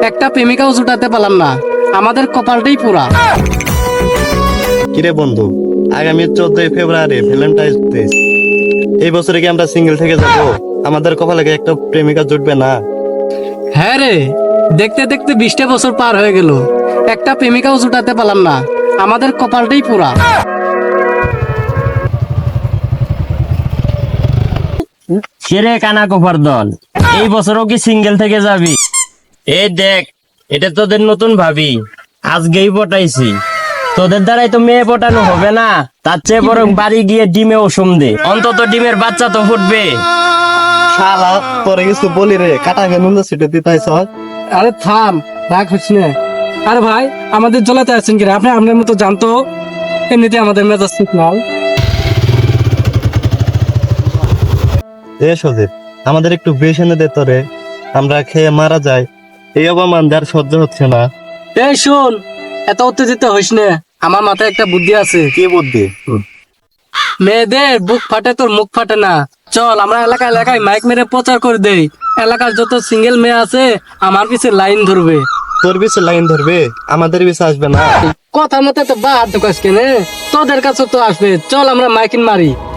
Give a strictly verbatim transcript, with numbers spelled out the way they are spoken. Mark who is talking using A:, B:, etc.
A: একটা প্রেমিকাও জুটাতে পারলাম না, আমাদের কপালটাই পুরা।
B: কিরে বন্ধু, আগামী চোদ্দই ফেব্রুয়ারি ভ্যালেন্টাইন্স ডে, এই বছরে কি আমরা সিঙ্গেল থেকে যাব? আমাদের কপালে কি একটা প্রেমিকা জুটবে না?
A: হ্যাঁ রে, দেখতে দেখতে বিশটা বছর পার হয়ে গেল, একটা প্রেমিকাও জুটাতে পারলাম না, আমাদের কপালটাই পুরা।
C: সেরে কানা কোফার দল, এই বছরও কি সিঙ্গেল থেকে যাবি? এই দেখ, এটা তোদের নতুন ভাবি, আজকেই পটাইছি। তোদের দ্বারাই তো মেয়ে পটানো হবে না, তার চেয়ে বরং বাড়ি গিয়ে ডিমে ওষুম দে, অন্তত ডিমের বাচ্চা তো ফুটবে।
B: শালা তোরে কিছু বলি রে, কাটা কেন সেটা দিতাইছ?
A: আরে থাম, রাগ হচ্ছে না। আরে ভাই, আমাদের জ্বলাতে আছেন কিনা? আপনি আপনার মতো জানতো, এমনিতে আমাদের মেজাজ ঠিক নাই।
B: এ সজীব, আমাদের একটু বেশ এনে দে তোরে, আমরা খেয়ে মারা যাই। এই অপমান আর সহ্য হচ্ছে না।
A: এই শোন, এত উত্তেজিত হইস না, আমার মাথায় একটা বুদ্ধি আছে।
B: কি বুদ্ধি?
A: মেয়েদের বুক ফাটে, তোর মুখ ফাটে না। চল আমরা এলাকা এলাকায় মাইক মেরে প্রচার করে দেই, এলাকার যত সিঙ্গেল মেয়ে আছে আমার পিছে লাইন ধরবে।
B: তোর পিছে লাইন ধরবে, আমাদের পিছে আসবে না।
A: কথা মতো তো বাদ দোকাস কেনে, তোদের কাছে তো আসবে। চল আমরা মাইকিন মারি।